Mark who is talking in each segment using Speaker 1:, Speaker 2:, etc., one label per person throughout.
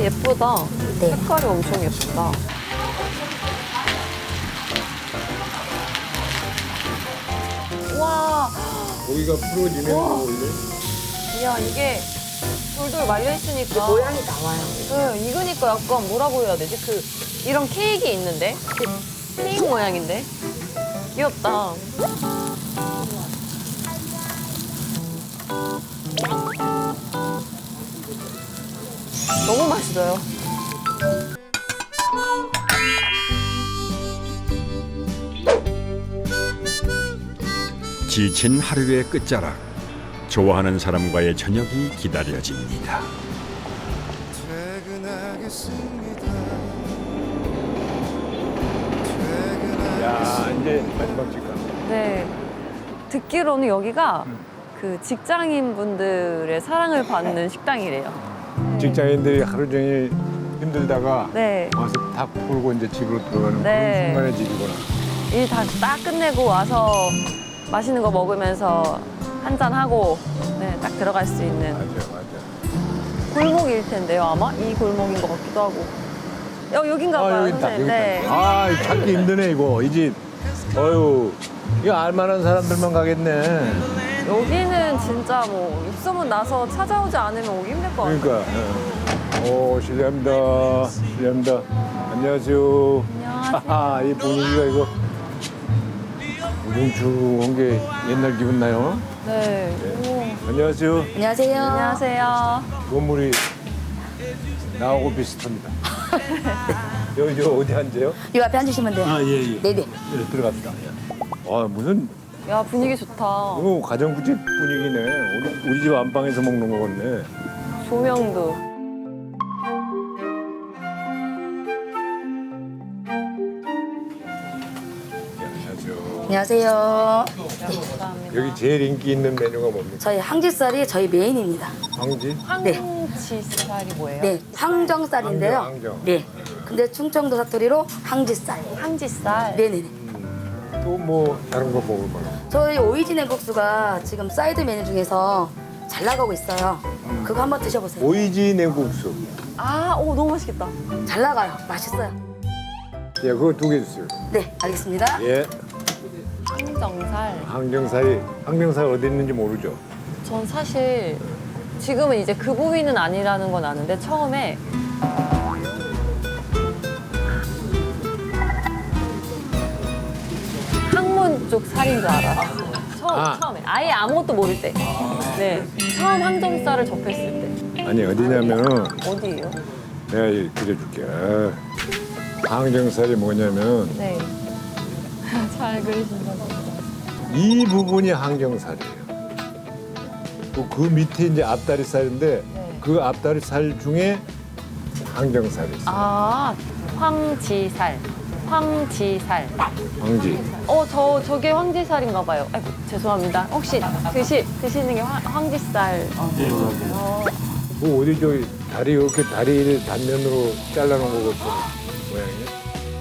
Speaker 1: 예쁘다.
Speaker 2: 네.
Speaker 1: 색깔이 엄청 예쁘다. 와,
Speaker 3: 고기가 풀어지네. 원래.
Speaker 1: 야 이게 돌돌 말려 있으니까
Speaker 2: 모양이 나와요.
Speaker 1: 네, 익으니까 약간 뭐라고 해야 되지? 이런 케이크 있는데? 케이크 모양인데? 귀엽다. 너무 맛있어요.
Speaker 4: 지친 하루의 끝자락, 좋아하는 사람과의 저녁이 기다려집니다.
Speaker 3: 야, 이제 마지막 직관.
Speaker 1: 네. 듣기로는 여기가 그 직장인 분들의 사랑을 받는 식당이래요.
Speaker 3: 직장인들이 하루 종일 힘들다가
Speaker 1: 네.
Speaker 3: 와서 다 풀고 이제 집으로 들어가는
Speaker 1: 네.
Speaker 3: 그런 순간의 집이구나.
Speaker 1: 일 다 딱 끝내고 와서 맛있는 거 먹으면서 한잔 하고 네, 딱 들어갈 수 있는
Speaker 3: 맞아.
Speaker 1: 골목일 텐데요, 아마 이 골목인 것 같기도 하고. 여긴가 봐요,
Speaker 3: 여기 있다.
Speaker 1: 선생님.
Speaker 3: 여기
Speaker 1: 네.
Speaker 3: 있다. 아, 찾기 힘드네 이거. 이 집. 어유, 이거 알만한 사람들만 가겠네.
Speaker 1: 여기는 진짜 뭐 입소문 나서 찾아오지 않으면 오기 힘들 것 같아요.
Speaker 3: 그러니까. 오, 실례합니다. 실례합니다. 안녕하세요.
Speaker 1: 안녕하세요.
Speaker 3: 하하, 이 분위기가 이거 우중충한 게 옛날 기분 나요?
Speaker 1: 네. 오.
Speaker 3: 안녕하세요.
Speaker 2: 안녕하세요.
Speaker 1: 안녕하세요.
Speaker 3: 건물이 나하고 비슷합니다. 여기 어디 앉아요?
Speaker 2: 이 앞에 앉으시면 돼요.
Speaker 3: 예.
Speaker 2: 네네.
Speaker 3: 네, 들어갑시다. 아, 무슨
Speaker 1: 야, 분위기 좋다.
Speaker 3: 이거 가정부집 분위기네. 우리 집 안방에서 먹는 거 같네.
Speaker 1: 조명도.
Speaker 3: 안녕하세요.
Speaker 2: 안녕하세요.
Speaker 1: 감사합니다.
Speaker 3: 여기 제일 인기 있는 메뉴가 뭡니까?
Speaker 2: 저희 항지살이 저희 메인입니다.
Speaker 3: 황지?
Speaker 1: 황치살이 뭐예요?
Speaker 2: 네, 항정살인데요.
Speaker 3: 항정.
Speaker 2: 네. 근데 충청도 사투리로 항지살.
Speaker 1: 황지살.
Speaker 2: 네네네.
Speaker 3: 또 뭐 다른 거 먹을 만한.
Speaker 2: 저희 오이지 냉국수가 지금 사이드 메뉴 중에서 잘 나가고 있어요. 그거 한번 드셔보세요.
Speaker 3: 오이지 냉국수.
Speaker 1: 아, 오, 너무 맛있겠다.
Speaker 2: 잘 나가요. 맛있어요.
Speaker 3: 예, 그거 2개 주세요.
Speaker 2: 네, 알겠습니다.
Speaker 3: 예.
Speaker 1: 항정살.
Speaker 3: 항정살 어디 있는지 모르죠?
Speaker 1: 전 사실 지금은 이제 그 부위는 아니라는 건 아는데 처음에 항문 쪽 살인 줄 알았어요. 처음에 아예 아무것도 모를 때. 네, 처음 항정살을 접했을 때.
Speaker 3: 아니, 어디냐면은
Speaker 1: 어디예요?
Speaker 3: 내가 그려줄게. 항정살이 뭐냐면
Speaker 1: 네. 잘 그리신다.
Speaker 3: 이 부분이 항정살이에요. 그 밑에 이제 앞다리살인데
Speaker 1: 네.
Speaker 3: 그 앞다리살 중에 항정살이 있어요.
Speaker 1: 아, 황지살. 황지살.
Speaker 3: 황지.
Speaker 1: 저게 황지살인가 봐요. 아이고, 죄송합니다. 혹시 드시는 게 황지살.
Speaker 3: 그 어디 저기 다리 이렇게 다리를 단면으로 잘라놓은 거 같은 모양이네.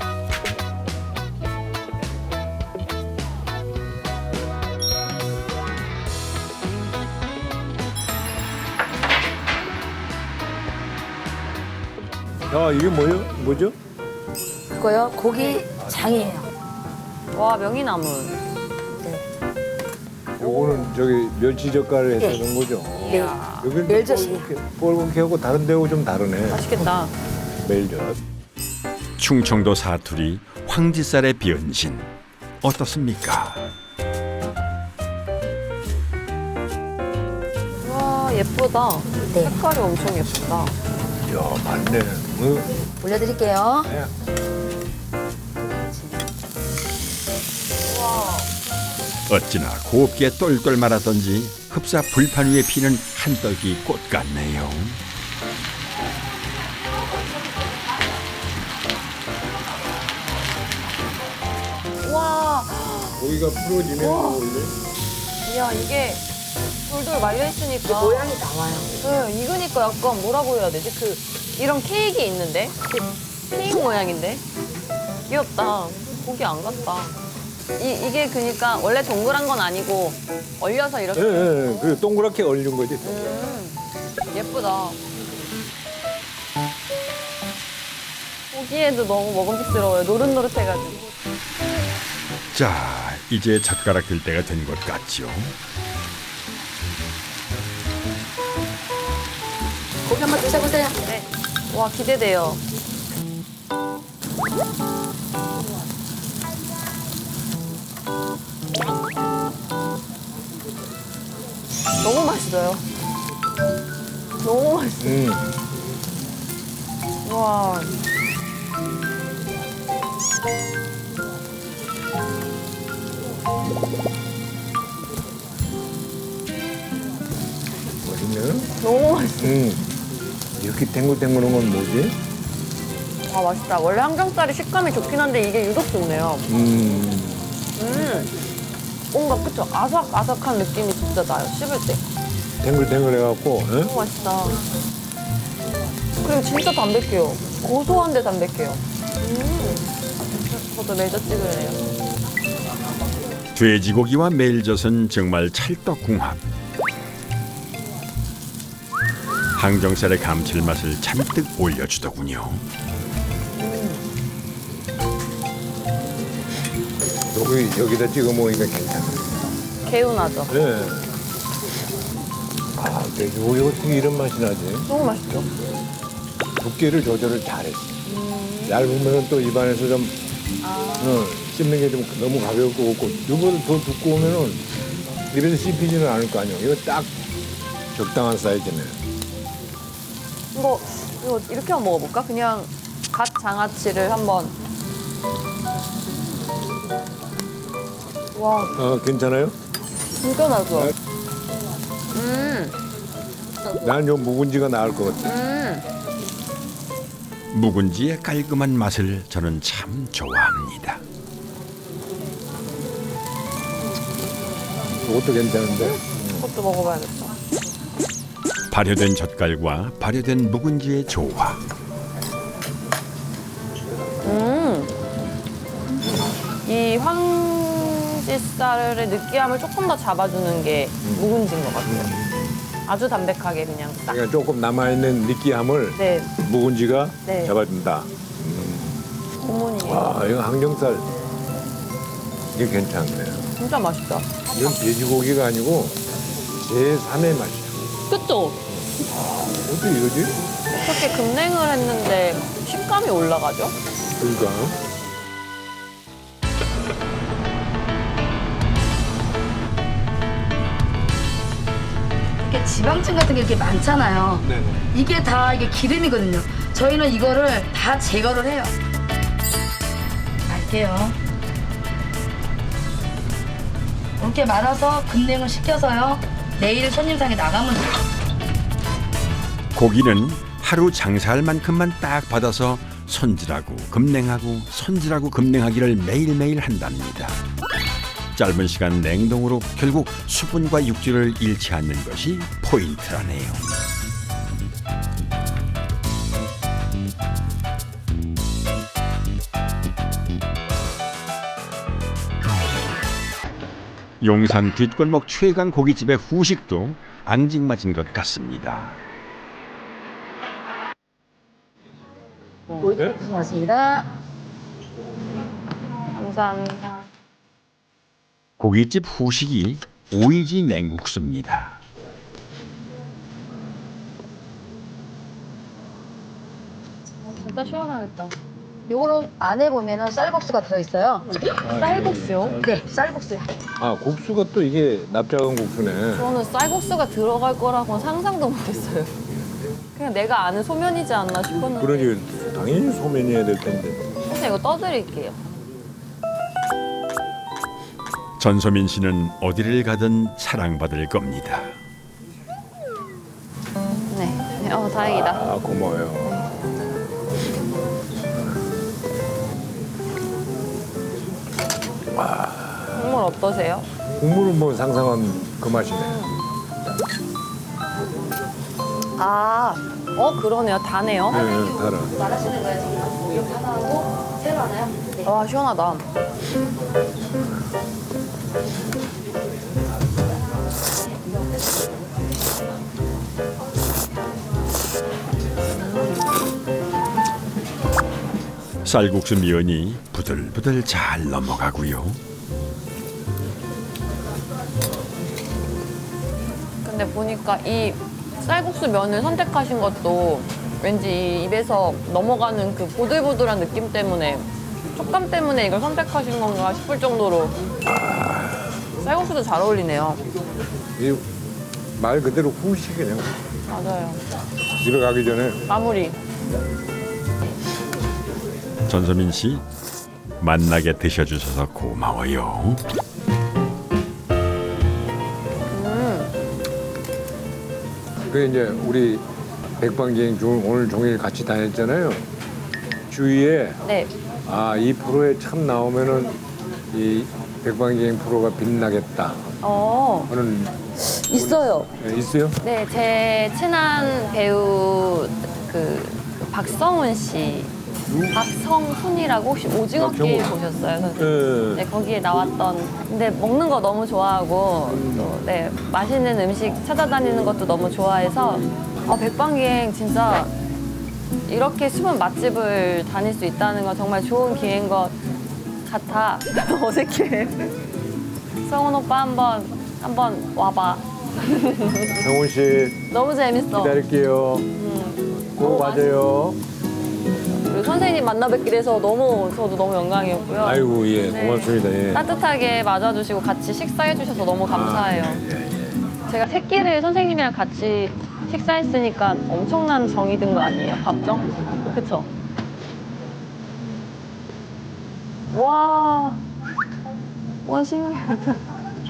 Speaker 3: 야, 이게 뭐죠?
Speaker 2: 그거요. 고기 장이에요.
Speaker 1: 와, 명이나물.
Speaker 2: 네.
Speaker 3: 요거는 저기 멸치 젓갈을 해서
Speaker 2: 네.
Speaker 3: 넣은 거죠.
Speaker 2: 네.
Speaker 3: 여기는
Speaker 2: 멜젓이에요.
Speaker 3: 뻘겋게 하고 다른 데하고 좀 다르네.
Speaker 1: 맛있겠다.
Speaker 3: 멜젓.
Speaker 4: 충청도 사투리 황지살의 변신 어떻습니까?
Speaker 1: 와, 예쁘다.
Speaker 2: 네.
Speaker 1: 색깔이 엄청 예쁘다.
Speaker 3: 이야, 맞네.
Speaker 2: 올려드릴게요.
Speaker 3: 네.
Speaker 4: 어찌나 곱게 똘똘 말았던지 흡사 불판 위에 피는 한떨기 꽃 같네요.
Speaker 1: 와,
Speaker 3: 고기가 풀어지네, 원래.
Speaker 1: 야, 이게 돌돌 말려있으니까.
Speaker 2: 모양이 나와요.
Speaker 1: 네, 익으니까 약간 뭐라고 해야 되지? 이런 케이크 있는데? 케이크 모양인데? 귀엽다. 고기 안 같다. 이게 그니까 원래 동그란 건 아니고 얼려서 이렇게.
Speaker 3: 예, 그 동그랗게 얼린 거지.
Speaker 1: 예쁘다. 보기에도 너무 먹음직스러워요. 노릇노릇해가지고.
Speaker 4: 자, 이제 젓가락 들 때가 된 것 같죠?
Speaker 2: 고기 한번 드셔보세요.
Speaker 1: 네. 와, 기대돼요. 너무 맛있어요. 너무 맛있어요. 와.
Speaker 3: 맛있네.
Speaker 1: 너무 맛있어.
Speaker 3: 이렇게 탱글탱글한 건 뭐지?
Speaker 1: 아, 맛있다. 원래 항정살이 식감이 좋긴 한데 이게 유독 좋네요. 뭔가 그쵸? 아삭아삭한 느낌이 진짜 나요. 씹을 때.
Speaker 3: 탱글탱글해갖고, 응?
Speaker 1: 너무 맛있다. 그리고 진짜 담백해요. 고소한데 담백해요. 저도 매저 찍을래요.
Speaker 4: 돼지고기와 멜젓은 정말 찰떡궁합. 항정살의 감칠맛을 잔뜩 올려주더군요.
Speaker 3: 여기다 찍어 먹으니까 괜찮아.
Speaker 1: 개운하죠?
Speaker 3: 네. 아, 돼지고기 어떻게 이런 맛이 나지?
Speaker 1: 너무 맛있죠?
Speaker 3: 두께를 조절을 잘했어. 얇으면 또 입안에서 좀 씹는 게 좀 너무 가볍고 없고 이거보다 더 두꺼우면은 입에서 씹히지는 않을 거 아니에요. 이거 딱 적당한 사이즈네.
Speaker 1: 이거 이렇게 한번 먹어볼까? 그냥 갓 장아찌를 한번. 와,
Speaker 3: 괜찮아요?
Speaker 1: 진짜 나죠?
Speaker 3: 네. 난 요 묵은지가 나을 것 같아.
Speaker 4: 묵은지의 깔끔한 맛을 저는 참 좋아합니다.
Speaker 3: 이것도 괜찮은데?
Speaker 1: 이것도 먹어봐야겠다.
Speaker 4: 발효된 젓갈과 발효된 묵은지의 조화.
Speaker 1: 이 황지살의 느끼함을 조금 더 잡아주는 게 묵은지인 것 같아요. 아주 담백하게 그냥 딱.
Speaker 3: 그러니까 조금 남아있는 느끼함을
Speaker 1: 네,
Speaker 3: 묵은지가
Speaker 1: 네.
Speaker 3: 잡아준다.
Speaker 1: 고문이에요.
Speaker 3: 와, 이거 항정살 이게 괜찮네.
Speaker 1: 진짜 맛있다.
Speaker 3: 이건 돼지고기가 아니고 제3의 맛이야.
Speaker 1: 그쵸?
Speaker 3: 어떻게 이러지?
Speaker 1: 어떻게 급냉을 했는데 식감이 올라가죠?
Speaker 3: 그러니까.
Speaker 2: 이렇게 지방층 같은 게 이렇게 많잖아요.
Speaker 3: 네네.
Speaker 2: 이게 다 이게 기름이거든요. 저희는 이거를 다 제거를 해요. 갈게요. 이렇게 말아서 급냉을 시켜서요. 내일 손님상에 나가면 돼요.
Speaker 4: 고기는 하루 장사할 만큼만 딱 받아서 손질하고 급냉하고 손질하고 급냉하기를 매일매일 한답니다. 짧은 시간 냉동으로 결국 수분과 육질을 잃지 않는 것이 포인트라네요. 용산 뒷골목 최강 고깃집의 후식도 앙증맞은 것 같습니다.
Speaker 3: 네?
Speaker 2: 고맙습니다.
Speaker 1: 감사합니다.
Speaker 4: 고깃집 후식이 오이지 냉국수입니다.
Speaker 1: 진짜 시원하겠다.
Speaker 2: 요거는 안에 보면은 쌀국수가 들어있어요.
Speaker 1: 쌀국수요?
Speaker 2: 네, 쌀국수요.
Speaker 3: 아, 국수가 또 이게 납작한 국수네.
Speaker 1: 저는 쌀국수가 들어갈 거라고는 상상도 못했어요. 그냥 내가 아는 소면이지 않나 싶었는데.
Speaker 3: 그러니 당연히 소면이어야 될 텐데.
Speaker 1: 그래서 이거 떠드릴게요.
Speaker 4: 전소민 씨는 어디를 가든 사랑받을 겁니다.
Speaker 1: 네. 다행이다.
Speaker 3: 아, 고마워요.
Speaker 1: 국물 어떠세요?
Speaker 3: 국물은 뭐 상상한 그 맛이네.
Speaker 1: 아, 그러네요. 다네요.
Speaker 3: 네, 달아.
Speaker 2: 말하시는 거예요, 지금? 이렇게 하나 하고, 새로 하나요? 네.
Speaker 1: 와, 시원하다.
Speaker 4: 쌀국수 면이 부들부들 잘 넘어가고요.
Speaker 1: 근데 보니까 이 쌀국수 면을 선택하신 것도 왠지 이 입에서 넘어가는 그 보들보들한 느낌 때문에, 촉감 때문에 이걸 선택하신 건가 싶을 정도로 쌀국수도 잘 어울리네요.
Speaker 3: 이 말 그대로 후식이네요.
Speaker 1: 맞아요.
Speaker 3: 집에 가기 전에
Speaker 1: 마무리.
Speaker 4: 전소민 씨, 만나게 드셔주셔서 고마워요.
Speaker 3: 그 이제 우리 백반기행 오늘 종일 같이 다녔잖아요. 주위에
Speaker 1: 네.
Speaker 3: 이 프로에 참 나오면은 이 백반기행 프로가 빛나겠다 하는
Speaker 2: 있어요.
Speaker 3: 있어요?
Speaker 1: 네, 제 친한 배우 그 박성훈 씨, 박성훈이라고 혹시 오징어 게임 보셨어요, 선생님? 네, 거기에 나왔던. 근데 먹는 거 너무 좋아하고 또 네, 맛있는 음식 찾아다니는 것도 너무 좋아해서 백반기행 진짜 이렇게 숨은 맛집을 다닐 수 있다는 건 정말 좋은 기회인 것 같아. 어색해. 성훈 오빠 한번 와봐.
Speaker 3: 성훈 씨
Speaker 1: 너무 재밌어.
Speaker 3: 기다릴게요. 꼭 와줘요.
Speaker 1: 그리고 선생님 만나 뵙게 돼서 저도 너무 영광이었고요.
Speaker 3: 아이고 예
Speaker 1: 네.
Speaker 3: 고맙습니다. 예.
Speaker 1: 따뜻하게 맞아주시고 같이 식사해 주셔서 너무 감사해요. 제가 새끼를 선생님이랑 같이 식사했으니까 엄청난 정이 든 거 아니에요? 밥정? 그쵸? 와, 신기하다.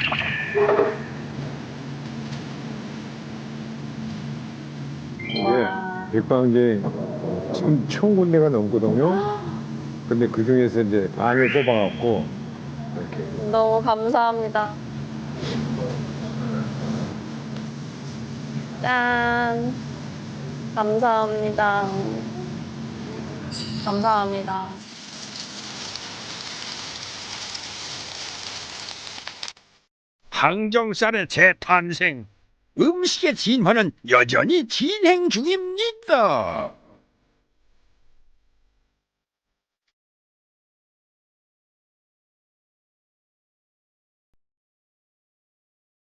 Speaker 3: 예, 백반기행 지금 1,000군데가 넘거든요. 근데 그 중에서 이제 반을 뽑아갖고 이렇게
Speaker 1: 너무 감사합니다. 짠. 감사합니다. 감사합니다.
Speaker 4: 항정살의 재탄생. 음식의 진화는 여전히 진행 중입니다.